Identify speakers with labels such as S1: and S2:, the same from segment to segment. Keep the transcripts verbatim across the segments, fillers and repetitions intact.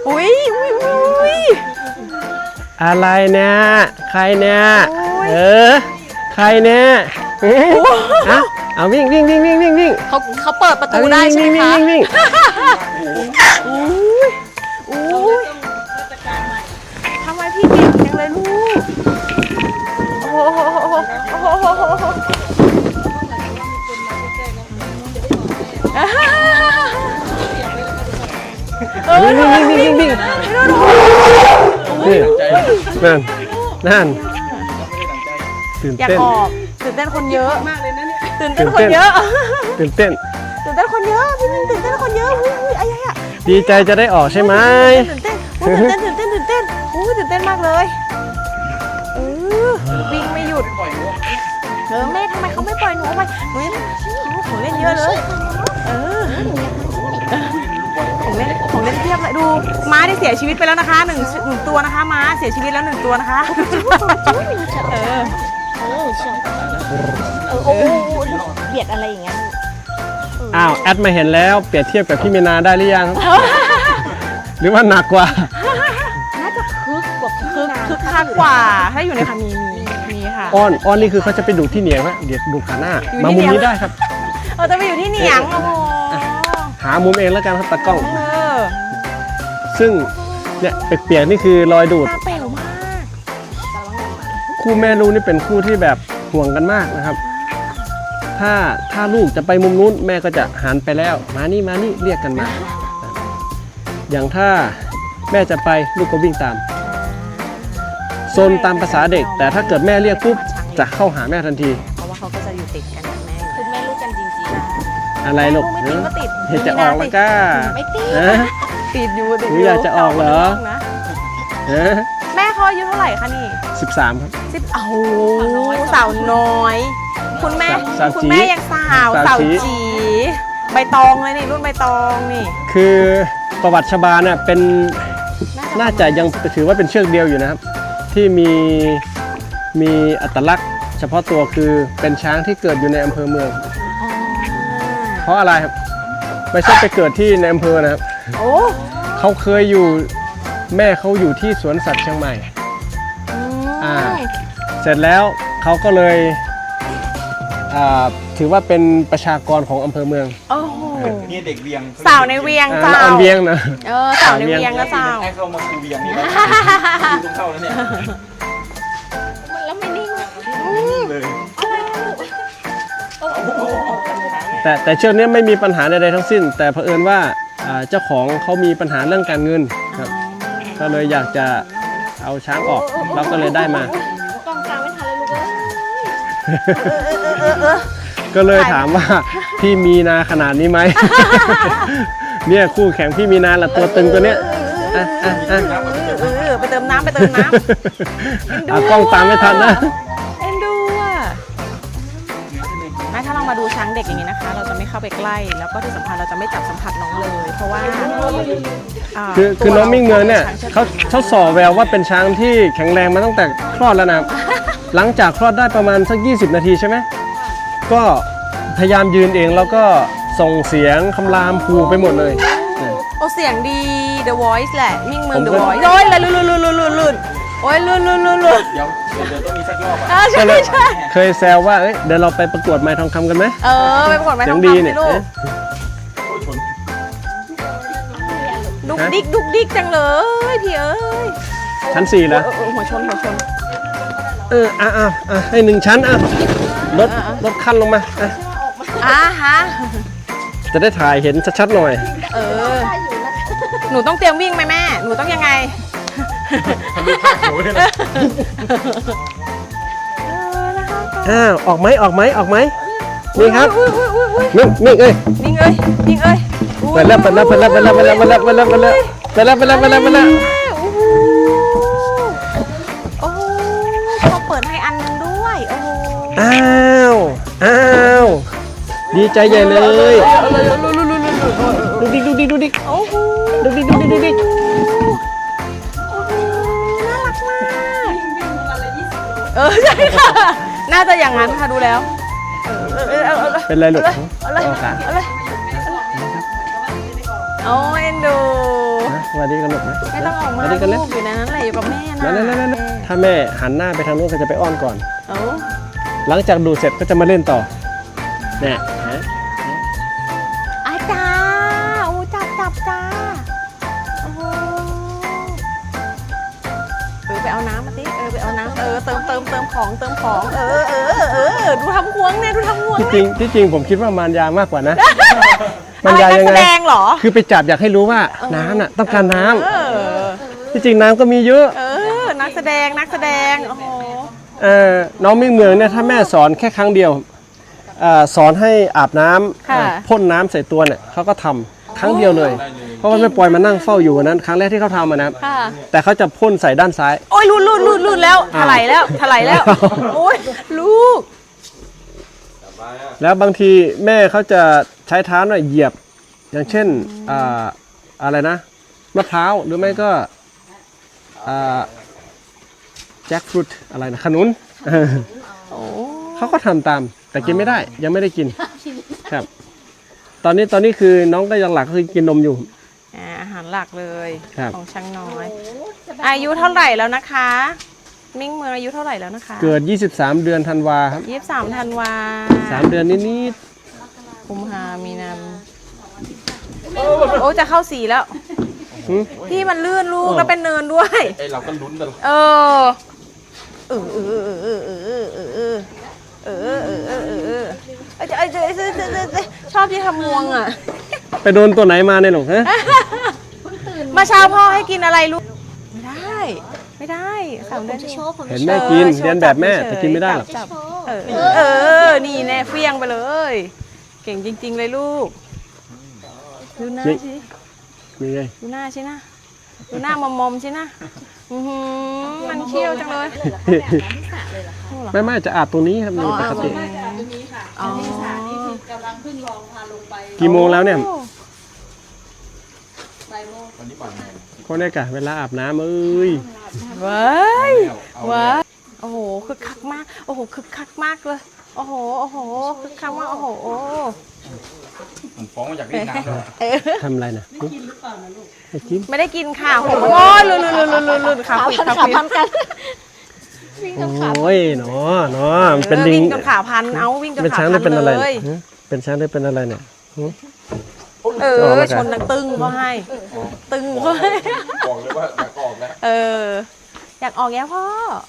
S1: อุ้ยอุ้ยอุ้ย
S2: อะไรเนี่ยใครเนี่ยเออใครเนี่ยเอาเอาวิ่งวิ่งวิ่งวิ่งวิ่งวิ่ง
S1: เขาเขาเปิดประตูได้ใช่ไหมคะ
S2: วิ่งวิ่ง
S1: อุ้ยอุ้ยทำไมพี่เก่งจังเลยลูกโอ้โหโอ้โหโอ้โหโอ้โห
S2: วิ่งวิ่งวิ่งวิ่งวิ่งนี่นั่นนั่นตื่น
S1: อยาก
S2: เต้น
S1: ออกตื่นเต้นคนเยอะตื่นเต้นคนเยอะ
S2: ตื่นเต้น
S1: ตื่นเต้นคนเยอะพี่มินตื่นเต้นคนเยอะอุ้ยอุ้ยอะไรอะ
S2: ดีใจจะได้ออกใช่ไหม
S1: ตื่นเต้นตื่นเต้นตื่นเต้นตื่นเต้นอุ้ยตื่นเต้นมากเลยเออวิ่งไม่หยุดเออแม่ทำไมเขาไม่ปล่อยหนูไปหนูยังของเล่นเยอะเลยเออของเล่นของเล่นเทียบเลยดูม้าได้เสียชีวิตไปแล้วนะคะหนึ่งหนึ่งตัวนะคะม้าเสียชีวิตแล้วหนึ่งตัวนะคะเออ
S3: โอ้เบียดอะไรอย่างเงี้ย
S2: อ้าวแอดมาเห็นแล้วเปรียบเทียบกับพี่เมนาได้หรือยังหรือว่าหนักกว่า
S3: น่าจะคึกกว่าคึก
S1: คึกคักกว่าถ้าอยู่ในค่ะมีมีมีค่ะ
S2: อ้อนอ้อนนี่คือเขาจะไปดูที่เหนียงนะเดี๋ยวดูขาหน้ามามุมนี้ได้ครับ
S1: เออจะไปอยู่ที่เหนียงโอ้โห
S2: หามุมเองแล้วกันครับตากล้อง
S1: เออ
S2: ซึ่งเนี่ยเปียกๆนี่คือรอยดูด
S1: ตาเป๋วมาก
S2: คู่แม่ลูกนี่เป็นคู่ที่แบบห่วงกันมากนะครับถ้าถ้าลูกจะไปมุมนู้นแม่ก็จะหันไปแล้วมานี่มานี่เรียกกันมาอย่างถ้าแม่จะไปลูกก็วิ่งตามโซนตามภาษาเด็กแต่ถ้าเกิดแม่เรียกปุ๊บจะเข้าหาแม่ทันที
S1: เพราะว่าเขาก็จะอยู่ติดกันกับแม่
S3: คือแม่ลูกกันจริง
S2: ๆอะไรลูก
S1: ไม่ติดก็ติด
S2: เห็นจะออกแล้วก้า
S3: ไม่ติด
S1: ติดอยู่ติด
S2: อยู่อยากจะออกเหรอ
S1: แม่เขาอายุเท่าไหร่คะนี่
S2: สิบสามครับ
S1: สิบโอ้โหสาวน้อยคุณแม่คุณแม่ยังสาวสาวจีใบตองเลยนี่รุ่นใบตองนี่
S2: คือประวัติชบาเนี่ยเป็นน่าจะยังถือว่าเป็นเชือกเดียวอยู่นะครับที่มีมีอัตลักษณ์เฉพาะตัวคือเป็นช้างที่เกิดอยู่ในอำเภอเมืองเพราะอะไรครับไม่ใช่ไปเกิดที่ในอำเภอนะครับเขาเคยอยู่แม่เขาอยู่ที่สวนสัตว์เชียงใหม่อ่าเสร็จแล้วเขาก็เลยถือว่าเป็นประชากรของอำเภอเมือง
S1: โอ้โห
S4: นี่เด็กเวียง
S1: สาวในเวียง
S2: เจ้าเวียงนะ
S1: เออสาวในเวียงก็สาว
S4: ให้เข้ามาคูเวียงนี่แล้วต้องเข้าแล้วเนี่ย
S3: แล้วไม่นิ่ง
S4: เลย
S2: แต่แต่เชือกนี้ไม่มีปัญหาใดๆทั้งสิ้นแต่เผอิญว่าเจ้าของเขามีปัญหาเรื่องการเงินครับก็เลยอยากจะเอาช้างออกเราก็เลยได้มาก
S3: องกลางไม่ทันเลยลูก
S2: เอ้ยก็เลยถามว่าพี่มีนาขนาดนี้ไหมเนี่ยคู่แข่งพี่มีนาละตัวตึงตัวเนี้ย
S1: ไปเติมน้ำไปเติมน้ำ
S2: เอากล้องตามไม่ทันนะ
S1: เอ็นดูอ่ะแม่ถ้าเรามาดูช้างเด็กอย่างนี้นะคะเราจะไม่เข้าไปใกล้แล้วก็ที่สำคัญเราจะไม่จับสัมผัสน้องเลยเพราะว่า
S2: คือคือน้องมิ่งเงินเนี่ยเขาเขาส่อแววว่าเป็นช้างที่แข็งแรงมาตั้งแต่คลอดแล้วนะหลังจากคลอดได้ประมาณสักยี่สิบนาทีใช่ไหมก็พยายามยืนเองแล้วก็ส่งเสียงคำรามคูไปหมดเลย
S1: โอ้เสียงดี The Voice แหละมิ่งเมือง The Voice โอ้ยลื่นลื่นลื่นลื่นลื่นลื่นโอ้ยลื่นลื่นลื่นลื่น
S4: เดี๋ยวเดี๋ยวต้องมีสักรอบ
S1: อ่ะใช่ใช่
S2: เคยแซวว่าเอ้ยเดี๋ยวเราไปประกวดไม้ทองคำกันไหม
S1: เออไปประกวดไม้ทองคำสิลูกดุกดิกดุกดิกจังเลยพี่เอ้ย
S2: ชั้นสี่แล้ว
S1: หัวชนหัวชน
S2: เอออ่ะอ่ะอ่ะให้หนึ่งชั้นอ่ะลดลดขั้นลงมาอ่ะ
S1: อ่ะฮะ
S2: จะได้ถ่ายเห็นชัดๆหน่อย
S1: เออหนูต้องเตรียมวิ่งไหมแม่หนูต้องยังไง
S4: ทำดูภาพโผล่เลยนะ
S2: อ้าวออกไหมออกไหมออกไหมนี่ครับนิ่งนิ่งเอ้ย
S1: นิ่งเอ้ยนิ่งเอ้ย
S2: ไปแล้วไปแล้วไปแล้วไปแล้วไปแล้วไปแล้วไปแล้วไปแล้วไปแล้วไปแล้วไปแล้วไปแล้ว
S1: โอ้โหเขาเปิดให้อันนึงด้วยโอ้โห
S2: อ้าวอ้าวดีใจใหญ่เลยดูดิดูดิดูดิ
S1: โอ้โห
S2: ดูดิดูดิดูดิ
S1: น่ารักมากเออใช่ค่ะน่าจะอย่างนั้นค่ะดูแล้ว
S2: เป็นไรลูก
S1: อะไรอะไรโอ้เอ็นดู
S2: สวัสดีกันหมดนะ
S1: ไม่ต้องออกมา
S2: สวัสดีกัน
S1: ลู
S2: เลย
S1: กอยู่ในนั้นแหละอยู่กับแม่นะ
S2: นั่นนั่นนั่นถ้าแม่หันหน้าไปทางนู้นก็จะไปอ้อนก่อน
S1: เอ้า
S2: หลังจากดูเสร็จก็จะมาเล่นต่อเนี่ยฮะ
S1: อาจ้าโอ้จับจับจ้าโอ้โหเออไปเอาน้ำมาสิเออไปเอาน้ำเออเติมเติมเติมของเติมของเออเออเออเออดูทำควงเนี่ยดูทำควง
S2: ที่จริงที่จริงผมคิดว่ามารยามากกว่านะ
S1: อะ
S2: มาร
S1: ไร
S2: ยา
S1: นัก
S2: ยัง
S1: แส
S2: ไง
S1: ดงเหรอ
S2: คือไปจับอยากให้รู้ว่าน้ำน่ะต้องการน้ำ
S1: เออ
S2: ที่จริงน้ำก็มีเยอะ
S1: เออนักแสดงนักแสดงโอ้โห
S2: เออน้องมิ่งเมืองเนี่ยถ้าแม่สอนแค่ครั้งเดียวเอ่อสอนให้อาบน้ำ
S1: ค่ะ
S2: เอ่อพ่นน้ำใส่ตัวเนี่ยเขาก็ทำครั้งเดียวเลย เพราะว่าแม่ปอยมานั่งเฝ้าอยู่วันนั้นครั้งแรกที่เขาทำอะนะครับ
S1: ค่ะ
S2: แต่เขาจะพ่นใส่ด้านซ้าย
S1: โอ้ยลุดลุดลุดลุดแล้วถลายแล้วถลายแล้ว โอ้ยลูก
S2: แล้วบางทีแม่เขาจะใช้เท้าหน่อยเหยียบ อย่างเช่นอ่าอะไรนะมะพร้าวหรือไม่ก็แจ็คฟรุตอะไรนะขนุน
S1: โอ้
S2: เขาก็ทำตามแต่กินไม่ได้ยังไม่ได้กินครับ ตอนนี้ตอนนี้คือน้องก็ยังหลักก็คือกินนมอยู่
S1: อ่าอาหารหลักเลย
S2: ครับ
S1: ของช้างน้อย อายุเท่าไหร่แล้วนะคะ มิ่งเมืองอายุเท่าไหร่แล้วนะคะ
S2: เกิด ยี่สิบสาม เดือนธันวาครับ
S1: ยี่สิบสามธันวา
S2: สามเดือนนิด
S1: กุมภามีนาโอ้จะเข้าสีแล้ว
S2: ๆหึ
S1: ที่มันลื่นลูก
S2: เออ
S1: แล้วเป็นเนินด้วย
S4: ไอเราก็ลุ้นกัน
S1: เออเออเออเออเออเออเออเออเออเออเออเออเออเออไอ้เจ้าไอ้เจ้าไอ้เจ้าไอ้เจ้าไอ้เจ้าชอบที่ทำงวงอ่ะ
S2: ไปโดนตัวไหนมาเนี่ยหรอกฮะ
S1: มาเช้าพ่อให้กินอะไรลูก ไม่ได้ ไม่ได้สามเดือน
S3: จะ
S1: เอง
S3: โชว์ผม
S2: เห็นแม่กินเรียนแบบแม่แต่กินไม่ได้หรอก
S1: จับเออเออ นี่แน่เฟี้ยงไปเลย เก่งจริง ๆ เลยลูก ดูหน้าสิ
S2: มีไง
S1: ดูหน้าสินะดูหน้ามอมมอมๆสินะอือหือมันเชี่ยวจังเลย
S2: ไม่ไม่จะอาบตรงนี้ครับนี่ปกติ
S1: อ๋อ
S2: กี่โมงแล้วเนี่ย
S4: วันนี้ป่านโมง
S2: ก็เนี่ยกะเวลาอาบน้ำเอ้ย
S1: เว้ยเว้ยโอ้โหคึกคักมากโอ้โหคึกคักมากเลยโอ้โหโอ้โหคึกคักมากโอ้โหโอ้
S4: ผมฟ้องมาจากเวียดนามเลย
S1: เออ
S2: ทำอะไรนะไม่กินหรือเปล่านะลูกไม่กิน
S1: ไม่ได้กินค่ะโอ้โหลุนลุนลุนลุนลุนลุนขา
S3: ขา
S1: คุย
S3: พัน
S1: ขา
S3: ขา
S1: คุย
S3: พันกันวิ่งกับขา
S2: โอ้ยเนาะเนาะมันเป็น
S1: ออ
S2: ลิง
S1: วิ่งจนขาพันเอาวิ่งจน
S2: เป็น
S1: ขา
S2: ช้างห
S1: พั
S2: รือน เป็นอะไร
S1: เล
S2: เนี่ย ยฮะเป็นช้างหรือเป็นอะไรเนี่ยหึ
S1: เอ
S2: ออก
S1: อ
S2: มากัน
S1: ชนดังตึงก็ให้ ตึงก็ให้
S4: บอกเลยว่าอยากออกแล้ว
S1: เออ อยากออกแย่พ่อ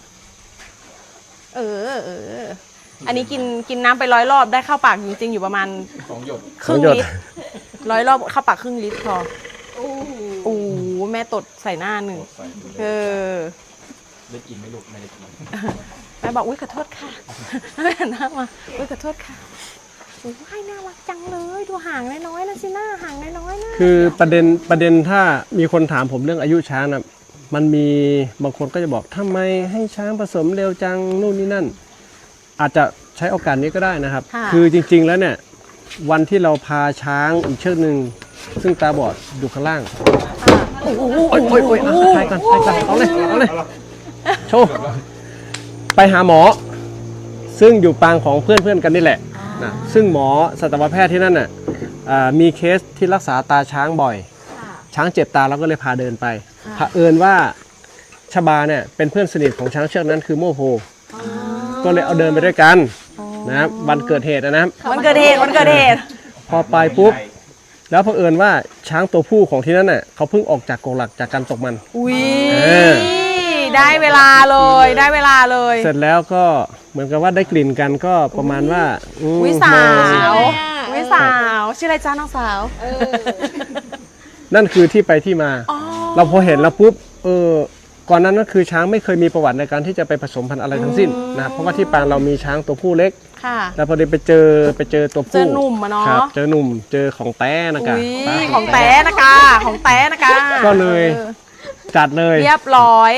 S1: เออเออ อันนี้กินกินน้ำไปร้อยรอบได้เข้าปากจริงๆอยู่ประมาณ
S4: สองหยด
S1: ครึ่ง
S2: สองหยด
S1: ลิตรร้อยรอบเข้าปากครึ่งลิตรพอโอ้โหแม่ตดใส่หน้าหนึ่ง
S4: ใส่ดูเลย
S1: เออ
S4: ได้กินไหม่ลูกไม่ได้กิน
S1: แม่บอกอุ้ยขอโทษค่ะแม่หันหน้ามาอุ้ยขอโทษค่ะโอ้ยน่ารักจังเลยดูห่างน้อยๆนะสิหน้าห่างน้อยๆนะ
S2: คือประเด็นประเด็นถ้ามีคนถามผมเรื่องอายุช้างนะมันมีบางคนก็จะบอกทำไมให้ช้างผสมเร็วจังนู่นนี่นั่น อาจจะใช้โอกาสนี้ก็ได้นะครับ
S1: ค่ะ
S2: คือจริงๆแล้วเนี่ยวันที่เราพาช้างอีกเชือกหนึ่งซึ่งตาบอดอยู่ข้างล่าง
S1: โอ้โห
S2: โอ้ยโอ้ยโอ้ยอ่ะถ่ายก่อนถ่ายก่อนเอาเลยเอาเลยโชว์ไปหาหมอ ซึ่งอยู่ปางของเพื่อนๆกันนี่แหละนะซึ่งหมอสัตวแพทย์ที่นั่นน่ะอ่ามีเคสที่รักษาตาช้างบ่อย ช้างเจ็บตาเราก็เลยพาเดินไปเผอิญว่าชบาเนี่ยเป็นเพื่อนสนิทของช้างเชือกนั้นคือโมโหก็เลยเอาเดินไปด้วยกันนะครับวันเกิดเหตุนะครับ
S1: วันเกิดเหตุวันเกิดเหตุ
S2: พอไปปุ๊บแล้วเผอิญว่าช้างตัวผู้ของที่นั่นน่ะเขาเพิ่งออกจากกรงหลักจากการตกมัน
S1: อุ้ย
S2: เออ
S1: ได้เวลาเลยได้เวลาเลย
S2: เสร็จแล้วก็เหมือนกับว่าได้กลิ่นกันก็ประมาณว่าอืม
S1: วิสาม
S2: อง
S1: ววิสาวชื่ออะไรจ้าน้องสาว
S2: นั่นคือที่ไปที่มา
S1: อ๋อ
S2: เราพอเห็นแล้วปุ๊บเออก่อนนั้นก็คือช้างไม่เคยมีประวัติในการที่จะไปผสมพันธุ์อะไรทั้งสิ้นนะครับเพราะว่าที่ปางเรามีช้างตัวผู้เล็ก
S1: ค่ะ
S2: แล้วพอดีไปเจอไปเจอตัวผู้
S1: เจอหนุ่มอะเนาะ
S2: ครับเจอหนุ่มเจอของแต้นะกะ
S1: อุ้ย
S2: ตา
S1: ของแต้นะคะ ของแต้นะคะ
S2: ก็เลยจัดเลย
S1: เรียบร้อย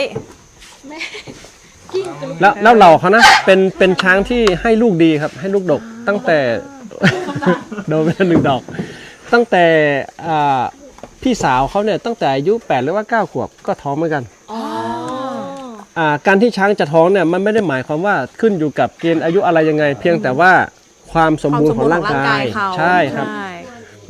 S2: แล้วแล้วเหล่าเขานะเป็นเป็นช้างที่ให้ลูกดีครับ ให้ลูกดกตั้งแต่ โดนไปแล้วหนึ่งดอก ตั้งแต่อ่าพี่สาวเขาเนี่ยตั้งแต่อายุแปดหรือว่าเก้าขวบก็ท้องเหมือนกันอ่าการที่ช้างจะท้องเนี่ยมันไม่ได้หมายความว่าขึ้นอยู่กับเกณฑ์อายุอะไรยังไง เพียงแต่ว่าความสมบูรณ์ของร่างกาย
S1: เขา
S2: ใช่ครับ
S1: ใช่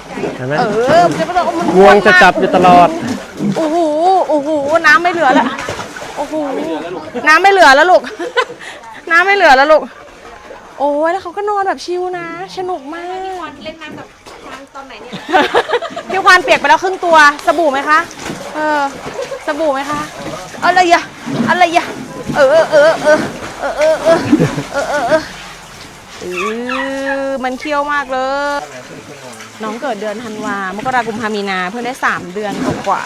S2: เห็นไหม
S1: เออมันจะมัน
S2: งวงจะจับอยู่ตลอด
S1: โอ้โหโอ้โหน้ำไม่เหลือแล้วโอ้โหน้ำไม่เหลือแล้วลูก น้ำไม่เหลือแล้วลูกโอ้ยแล้วเขาก็นอนแบบชิลนะสนุกมาก
S3: เล่นน้ำกับช้างตอนไหนเนี่ย
S1: พี่ควานเปียกไปแล้วครึ่งตัวสบู่ไหมคะเออสบู่ไหมคะอะไรอะอะไรอะเออเออเออเออเออเออเออเออเออเออเออมันเคี้ยวมากเลยน้องเกิดเดือนธันวามกราคมกุมภามีนาเพิ่งได้สามเดือนกว่า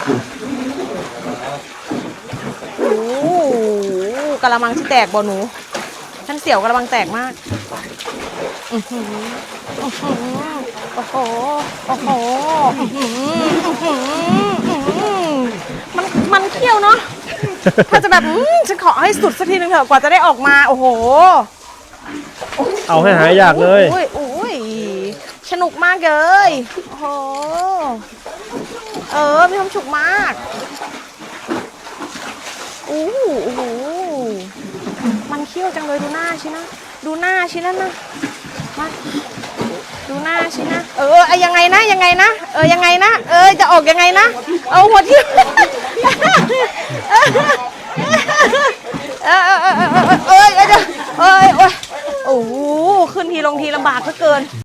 S1: ๆโอ้กะละมังที่แตกบ่หนูท่านเสี่ยวกะละมังแตกมากอื้อหืออื้อหือโอ้โหโอ้โหอื้อหืออื้อหืออื้อหือมันมันเคี้ยวเนาะถ้าจะแบบอื้อฉันขอให้สุดสักทีนึงเถอะกว่าจะได้ออกมาโอ้โห
S2: เอาให้หายอยากเลย
S1: โอ้ยโอ้ยสนุกมากเลยโอ้โหเออมีความสุขมากโอ้โหโอ้โหมันเขี้ยวจังเลยดูหน้าชินะดูหน้าชินะนะมาดูหน้าชินะเออไอยังไงนะยังไงนะเออยังไงนะเออจะออกยังไงนะเอาหัวที่เออเออเออเออเออเออเออเออโอ้โหขึ้นทีลงทีลำบากเหลือเกิน